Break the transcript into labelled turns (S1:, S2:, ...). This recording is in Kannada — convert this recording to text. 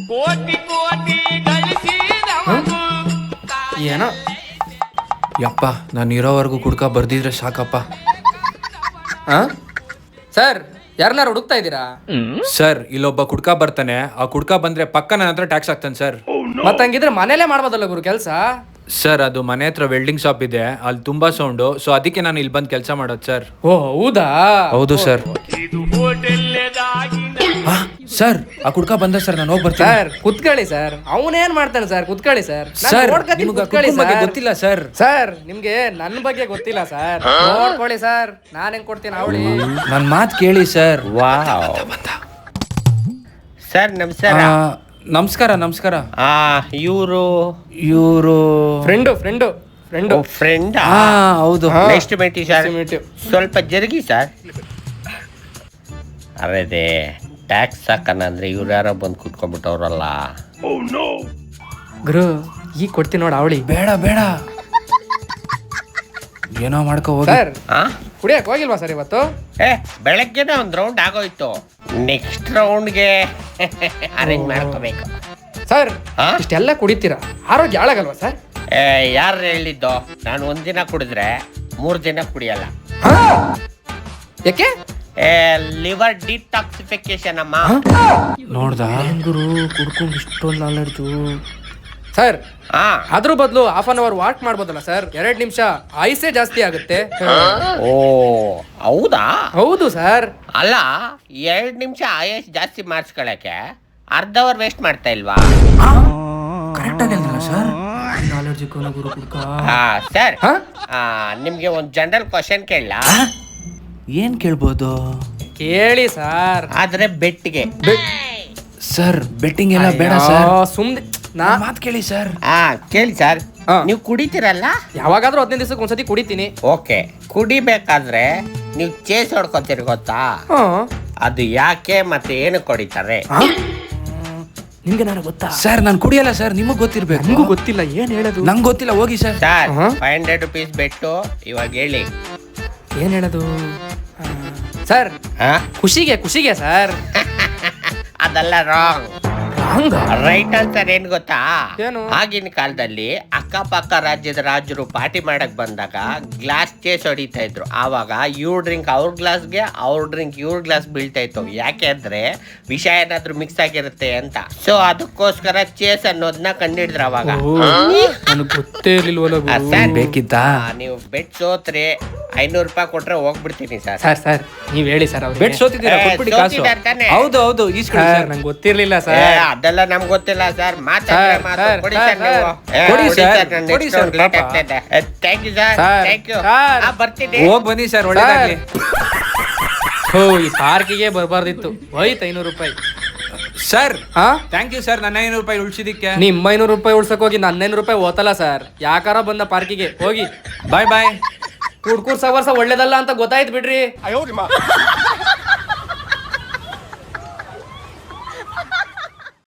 S1: ಏನೋ ಯಪ್ಪ, ನಾನು ಇರೋವರೆಗೂ ಕುಡ್ಕ ಬರ್ದಿದ್ರೆ ಸಾಕಪ್ಪ.
S2: ಸರ್ ಯಾರನ್ನಾರು ಹುಡುಕ್ತಾ ಇದ್ದೀರಾ?
S1: ಸರ್, ಇಲ್ಲೊಬ್ಬ ಕುಡ್ಕ ಬರ್ತಾನೆ. ಆ ಕುಡ್ಕ ಬಂದ್ರೆ ಪಕ್ಕ ನನ್ನ ಹತ್ರ ಟ್ಯಾಕ್ಸ್ ಆಗ್ತಾನೆ ಸರ್.
S2: ಮತ್ತಂಗಿದ್ರೆ ಮನೇಲೆ ಮಾಡ್ಬೋದಲ್ಲ ಗುರು ಕೆಲಸ.
S1: ಸರ್, ಅದು ಮನೆ ಹತ್ರ ವೆಲ್ಡಿಂಗ್ ಶಾಪ್ ಇದೆ, ಅಲ್ಲಿ ತುಂಬಾ ಸೌಂಡು. ಸೊ ಅದಕ್ಕೆ ನಾನು ಇಲ್ಲಿ ಬಂದು ಕೆಲಸ ಮಾಡೋದು ಸರ್.
S2: ಓ ಹೌದಾ?
S1: ಹೌದು ಸರ್. ಸರ್, ಆ ಕುಡ್ಕ ಬಂದ ಸರ್, ನಾನು ಹೋಗಿ ಬರ್ತೀನಿ.
S2: ಸರ್ ಕುತ್ಕೊಳ್ಳಿ ಸರ್, ಅವನೇನ್ ಮಾಡ್ತಾನೆ ಸರ್, ಕುತ್ಕೊಳ್ಳಿ ಸರ್.
S1: ಸರ್, ನಿಮ್ಗೆ ಕುಡ್ಕನ್ ಬಗ್ಗೆ ಗೊತ್ತಿಲ್ಲ ಸರ್.
S2: ಸರ್ ನಿಮ್ಗೆ ನನ್ನ ಬಗ್ಗೆ ಗೊತ್ತಿಲ್ಲ ಸರ್, ನೋಡ್ಕೊಳ್ಳಿ ಸರ್, ನಾನು ಹೆಂಗ್ ಕೊಡ್ತೀನಿ ಅವಳಿ.
S1: ನನ್ನ ಮಾತು ಕೇಳಿ ಸರ್.
S3: ಸರ್ ನಮಸ್ಕಾರ.
S1: ನಮಸ್ಕಾರ. ನಮಸ್ಕಾರ.
S3: ಇವರು
S2: ಫ್ರೆಂಡ್.
S1: ಹೌದು.
S3: ನೆಕ್ಸ್ಟ್ ಮೀಟಿ ಸರ್. ಸ್ವಲ್ಪ ಜರುಗಿ ಸರ್. ಅದೇ ಟ್ಯಾಕ್ಸ್ ಹಾಕಣ ಅಂದ್ರೆ ಇವ್ರು ಯಾರೋ ಬಂದು ಕುತ್ಕೊಂಡ್ಬಿಟ್ಟವ್ರಲ್ಲ.
S2: ಗುರು ಈಗ ಕೊಡ್ತೀನಿ ನೋಡಿ ಅವಳಿ.
S1: ಬೇಡ ಏನೋ ಮಾಡ್ಕೋ ಹೋಗಿ.
S2: ಸರ್ ಕುಡಿಯಕ್ ಹೋಗಿಲ್ವಾ ಸರ್ ಇವತ್ತು?
S3: ಬೆಳಗ್ಗೆನೆ ಒಂದು ರೌಂಡ್ ಆಗೋಯ್ತು. ನೆಕ್ಸ್ಟ್ ರೌಂಡ್ಗೆ ಅರೇಂಜ್ ಮಾಡ್ಕೋಬೇಕು.
S2: ಸರ್ ಇಷ್ಟೆಲ್ಲ ಕುಡಿತೀರಾ, ಆರೋಗ್ಯ ಹಾಳಾಗಲ್ವಾ ಸರ್?
S3: ಯಾರು ಹೇಳಿದ್ದು? ನಾನು ಒಂದಿನ ಕುಡಿದ್ರೆ 3 ದಿನ ಕುಡಿಯಲ್ಲ.
S2: ಯಾಕೆ?
S3: ಲಿವರ್ ಡಿಟಾಕ್ಸಿಫಿಕೇಶನ್ ಅಮ್ಮ.
S1: ನೋಡ್ದ
S2: ಗುರು ಕುಡ್ಕೊಂಡು ಇಷ್ಟೊಂದು ನಾಲೆಡ್ಜು. ಸರ್ ಅದ್ರ ಬದಲು 1/2 hour ವಾಕ್ ಮಾಡ್ಬೋದಲ್ಲ ಸರ್? 2 ನಿಮಿಷ ಆಯುಸೇ ಜಾಸ್ತಿ ಆಗುತ್ತೆ.
S3: ಓ ಹೌದಾ?
S2: ಹೌದು ಸರ್.
S3: ಅಲ್ಲ 2 ನಿಮಿಷ ಆಯುಷ್ ಜಾಸ್ತಿ ಮಾಡಿಸ್ಕೊಳಕ್ಕೆ ಅರ್ಧ ಅವರ್ ವೇಸ್ಟ್ ಮಾಡ್ತಾ ಇಲ್ವಾ?
S1: ಕರೆಕ್ಟ್ ಆಗಿಲ್ಲ ಸರ್.
S3: ಸರ್ ನಿಮ್ಗೆ ಒಂದು ಜನರಲ್ ಕ್ವಶನ್ ಕೇಳಲ್ಲ?
S1: ಏನ್ ಕೇಳ್ಬೋದು?
S2: ಕೇಳಿ ಸರ್.
S3: ಆದ್ರೆ ಬೆಟ್ಗೆ
S1: ಸರ್, ಬೆಟ್ಟಿಂಗ್ ಎಲ್ಲ ಬೇಡ ಸರ್.
S2: ಸುಮ್ನೆ
S1: ಮಾತು ಕೇಳಿ ಸರ್.
S3: ಕೇಳಿ ಸರ್. ನೀವು ಕುಡಿತೀರಲ್ಲ?
S2: ಯಾವಾಗಾದ್ರೂ 15 ದಿವಸಕ್ಕೆ ಒಂದ್ಸತಿ ಕುಡಿತೀನಿ.
S3: ಓಕೆ, ಕುಡಿಬೇಕಾದ್ರೆ ನೀವು ಚೇಸ್ ಹೊಡ್ಕೊತೀರಿ ಗೊತ್ತಾ? ಅದು ಯಾಕೆ ಮತ್ತೆ ಏನು ಕುಡಿತಾರೆ?
S2: ನಿಮ್ಗೆ ನಾನು ಗೊತ್ತಾ
S1: ಸರ್? ನಾನು ಕುಡಿಯಲ್ಲ ಸರ್, ನಿಮಗ್ ಗೊತ್ತಿರ್ಬೇಕು.
S2: ನಿಮಗೂ ಗೊತ್ತಿಲ್ಲ, ಏನ್ ಹೇಳೋದು?
S1: ನಂಗೆ ಗೊತ್ತಿಲ್ಲ, ಹೋಗಿ ಸರ್.
S3: ಸರ್ 500 rupees ಬೆಟ್ಟು. ಇವಾಗ ಹೇಳಿ
S2: ಏನ್ ಹೇಳೋದು ಸರ್? ಖುಷಿಗೆ ಸರ್.
S3: ಅದೆಲ್ಲ ರಾಂಗ್. ರೈಟ್ ಆನ್ಸರ್ ಏನ್ ಗೊತ್ತಾ?
S2: ಏನು?
S3: ಆಗಿನ ಕಾಲದಲ್ಲಿ ಅಕ್ಕಪಕ್ಕ ರಾಜ್ಯದ ರಾಜರು ಪಾರ್ಟಿ ಮಾಡಕ್ ಬಂದಾಗ ಗ್ಲಾಸ್ ಚೇಸ್ ಹೊಡಿತಾ ಇದ್ರು. ಆವಾಗ ಇವ್ರ ಡ್ರಿಂಕ್ ಅವ್ರ ಗ್ಲಾಸ್ಗೆ, ಅವ್ರ ಡ್ರಿಂಕ್ ಇವ್ರ ಗ್ಲಾಸ್ ಬೀಳ್ತಾ ಇತ್ತು. ಯಾಕೆ ಅಂದ್ರೆ ವಿಷ ಏನಾದ್ರು ಮಿಕ್ಸ್ ಆಗಿರುತ್ತೆ ಅಂತ. ಸೊ ಅದಕ್ಕೋಸ್ಕರ ಚೇಸ್ ಅನ್ನೋದನ್ನ ಕಂಡಿಡಿದ್ರು ಅವಾಗ.
S2: ನನಗೆ ಗೊತ್ತೇ ಇರ್ಲಿಲ್ವಲ್ಲ.
S1: ಬೇಕಿತ್ತಾ?
S3: ನೀವು ಬೆಟ್ ಸೋತ್ರೆ 500 ರೂಪಾಯಿ ಕೊಟ್ರೆ ಹೋಗ್ಬಿಡ್ತೀನಿ ಸರ್.
S2: ಸರ್ ನೀವ್ ಹೇಳಿ ಸರ್.
S1: ಬೆಟ್ ಸೋತಿದ್ದೀರಾ? ಕೊಟ್ಬಿಡಿ ಕಾಸು.
S3: ಸೋತಿದ್ದಾರೆ ತಾನೇ?
S1: ಹೌದು ಈಸ್ಕೊಳ್ಳಿ ಸರ್.
S2: ನಂಗೆ ಗೊತ್ತಿರ್ಲಿಲ್ಲ ಸರ್.
S3: ಅದೆಲ್ಲ ನಮ್ಗೆ ಗೊತ್ತಿಲ್ಲ ಸರ್.
S2: ಸರ್,
S3: ಕೊಡಿ ಸರ್ ನೀವು.
S1: ಕೊಡಿ ಸರ್, ಕೊಡಿ sir.
S3: Thank you sir.
S2: Sir,
S3: thank you.
S2: Sir.
S3: ಬರ್ತೀನಿ.
S1: ಹೋಗ್ ಬನ್ನಿ ಸರ್, ಒಳ್ಳೇದಾಗ್ಲಿ.
S2: ಈ ಪಾರ್ಕಿಗೆ ಬರಬಾರ್ದಿತ್ತು. ಹೋಯ್ತು 500 ರೂಪಾಯಿ.
S1: ಸರ್ ಥ್ಯಾಂಕ್ ಯು ಸರ್, ನನ್ನ 500 ರೂಪಾಯಿ ಉಳಿಸಿದಕ್ಕೆ.
S2: ನಿಮ್ಮ 500 ರೂಪಾಯಿ ಉಳ್ಸಕ್ ಹೋಗಿ ನನ್ನ 500 ರೂಪಾಯಿ ಓತಲ್ಲ ಸರ್. ಯಾಕಾರ ಬಂದ ಪಾರ್ಕಿಗೆ ಹೋಗಿ.
S1: ಬಾಯ್.
S2: ಕುಡ್ಕೂರ್ ಸವರ್ಸ ಒಳ್ಳೇದಲ್ಲ ಅಂತ ಗೊತ್ತಾಯ್ತು ಬಿಡ್ರಿ.